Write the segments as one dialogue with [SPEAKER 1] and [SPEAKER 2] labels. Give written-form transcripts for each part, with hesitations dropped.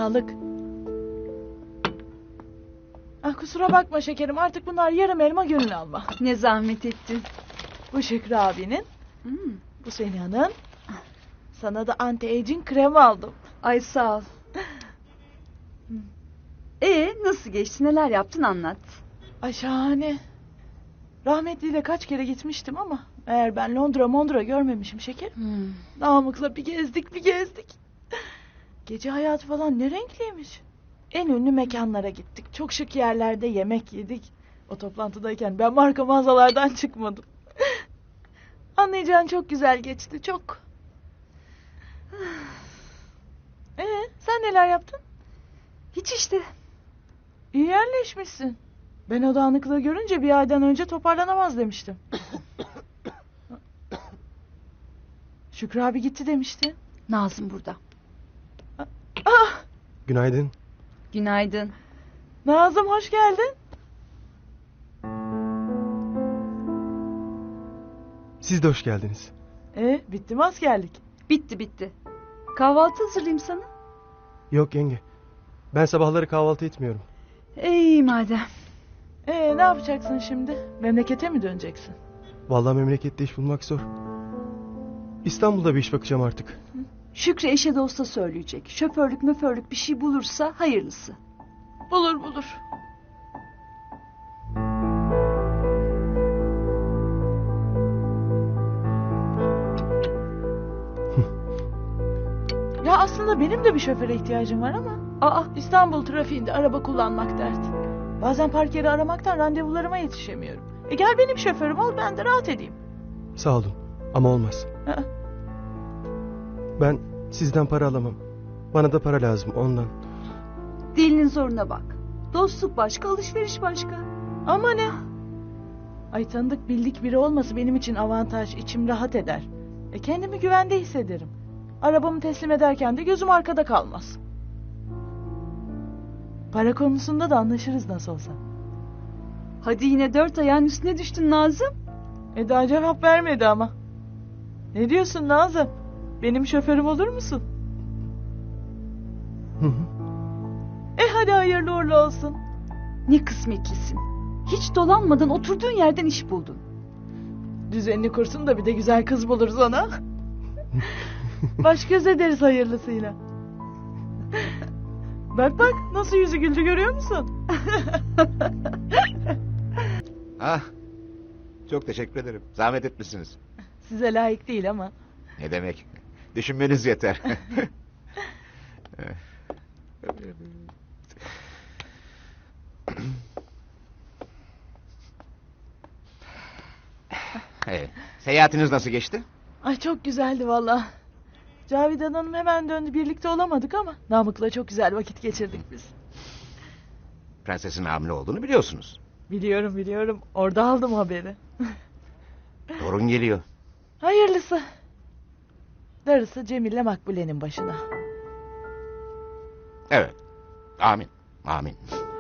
[SPEAKER 1] sağlık. Ah, kusura bakma şekerim, artık bunlar yarım elma gönül alma.
[SPEAKER 2] Ne zahmet ettin.
[SPEAKER 1] Bu Şükrü abinin, bu Seniha'nın. Sana da anti-aging krem aldım.
[SPEAKER 2] Ay sağ ol. Nasıl geçti, neler yaptın, anlat.
[SPEAKER 1] Ay şahane. Rahmetliyle kaç kere gitmiştim ama eğer ben Londra görmemişim şekerim. Namık'la bir gezdik. Gece hayatı falan ne renkliymiş. En ünlü mekanlara gittik. Çok şık yerlerde yemek yedik. O toplantıdayken ben marka mağazalardan çıkmadım. Anlayacağın çok güzel geçti, çok. Sen neler yaptın?
[SPEAKER 2] Hiç işte.
[SPEAKER 1] İyi yerleşmişsin. Ben o dağınıklığı görünce bir aydan önce toparlanamaz demiştim. Şükrü abi gitti demişti.
[SPEAKER 2] Nazım burada.
[SPEAKER 3] Günaydın.
[SPEAKER 2] Günaydın.
[SPEAKER 1] Nazım, hoş geldin.
[SPEAKER 3] Siz de hoş geldiniz.
[SPEAKER 1] Bitti mi askerlik?
[SPEAKER 2] Bitti. Kahvaltı hazırlayayım sana.
[SPEAKER 3] Yok yenge. Ben sabahları kahvaltı etmiyorum.
[SPEAKER 2] İyi madem.
[SPEAKER 1] Ne yapacaksın şimdi? Memlekete mi döneceksin?
[SPEAKER 3] Vallahi memlekette iş bulmak zor. İstanbul'da bir iş bakacağım artık.
[SPEAKER 2] Şükrü eşe dosta söyleyecek. Şoförlük möförlük bir şey bulursa hayırlısı.
[SPEAKER 1] Bulur. Ya aslında benim de bir şoföre ihtiyacım var ama İstanbul trafiğinde araba kullanmak dert. Bazen park yeri aramaktan randevularıma yetişemiyorum. Gel benim şoförüm ol, ben de rahat edeyim.
[SPEAKER 3] Sağ olun ama olmaz.
[SPEAKER 1] Aa,
[SPEAKER 3] Ben sizden para alamam. Bana da para lazım ondan.
[SPEAKER 2] Dilinin zoruna bak. Dostluk başka, alışveriş başka.
[SPEAKER 1] Ama ne? Ay, tanıdık bildik biri olması benim için avantaj, içim rahat eder. Kendimi güvende hissederim. Arabamı teslim ederken de gözüm arkada kalmaz. Para konusunda da anlaşırız nasıl olsa.
[SPEAKER 2] Hadi yine 4 ayağın üstüne düştün Nazım.
[SPEAKER 1] Daha cevap vermedi ama. Ne diyorsun Nazım? Benim şoförüm olur musun?
[SPEAKER 3] Hı.
[SPEAKER 1] Hadi hayırlı uğurlu olsun.
[SPEAKER 2] Ne kısmetlisin. Hiç dolanmadan oturduğun yerden iş buldun.
[SPEAKER 1] Düzenini kursun da bir de güzel kız buluruz ona. Baş göz ederiz hayırlısıyla. Bak nasıl yüzü güldü, görüyor musun?
[SPEAKER 4] Çok teşekkür ederim. Zahmet etmişsiniz.
[SPEAKER 1] Size layık değil ama.
[SPEAKER 4] Ne demek? Düşünmeniz yeter. Seyahatiniz nasıl geçti?
[SPEAKER 1] Ay, çok güzeldi valla. Cavidan Hanım hemen döndü, birlikte olamadık ama Namık'la çok güzel vakit geçirdik biz.
[SPEAKER 4] Prensesin hamile olduğunu biliyorsunuz.
[SPEAKER 1] Biliyorum. Orada aldım haberi.
[SPEAKER 4] Torun geliyor.
[SPEAKER 1] Hayırlısı. Darısı Cemil'le Makbule'nin başına.
[SPEAKER 4] Evet. Amin.
[SPEAKER 1] Amin.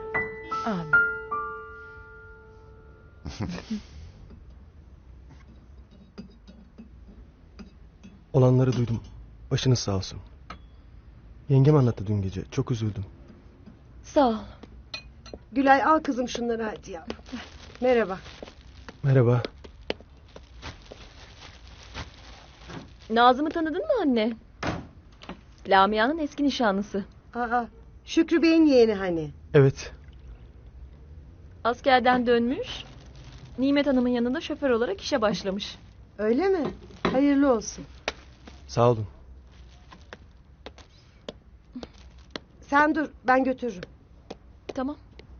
[SPEAKER 3] Olanları duydum. Başınız sağ olsun. Yengem anlattı dün gece. Çok üzüldüm.
[SPEAKER 1] Sağ ol.
[SPEAKER 5] Gülay, al kızım şunları hadi ya. Merhaba.
[SPEAKER 3] Merhaba.
[SPEAKER 6] Nazım'ı tanıdın mı anne? Lamia'nın eski nişanlısı.
[SPEAKER 5] Şükrü Bey'in yeğeni hani.
[SPEAKER 3] Evet.
[SPEAKER 6] Askerden dönmüş. Nimet Hanım'ın yanında şoför olarak işe başlamış.
[SPEAKER 5] Öyle mi? Hayırlı olsun.
[SPEAKER 3] Sağ olun.
[SPEAKER 5] Sen dur, ben götürürüm.
[SPEAKER 6] Tamam.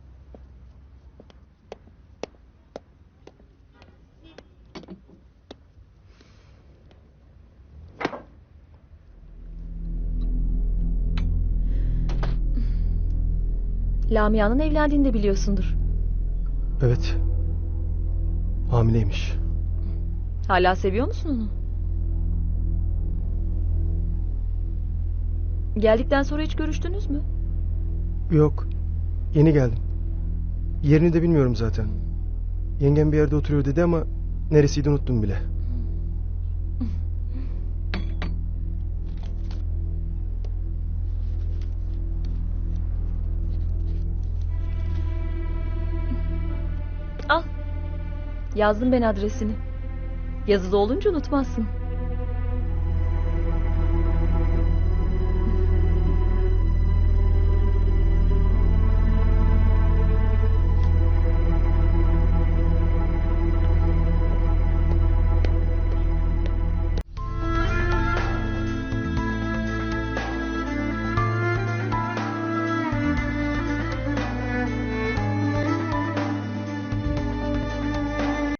[SPEAKER 6] Lamia'nın evlendiğini de biliyorsundur.
[SPEAKER 3] Evet. Hamileymiş.
[SPEAKER 6] Hala seviyor musun onu? Geldikten sonra hiç görüştünüz mü?
[SPEAKER 3] Yok. Yeni geldim. Yerini de bilmiyorum zaten. Yengem bir yerde oturuyor dedi ama neresiydi unuttum bile.
[SPEAKER 6] Yazdım ben adresini. Yazılı olunca unutmazsın.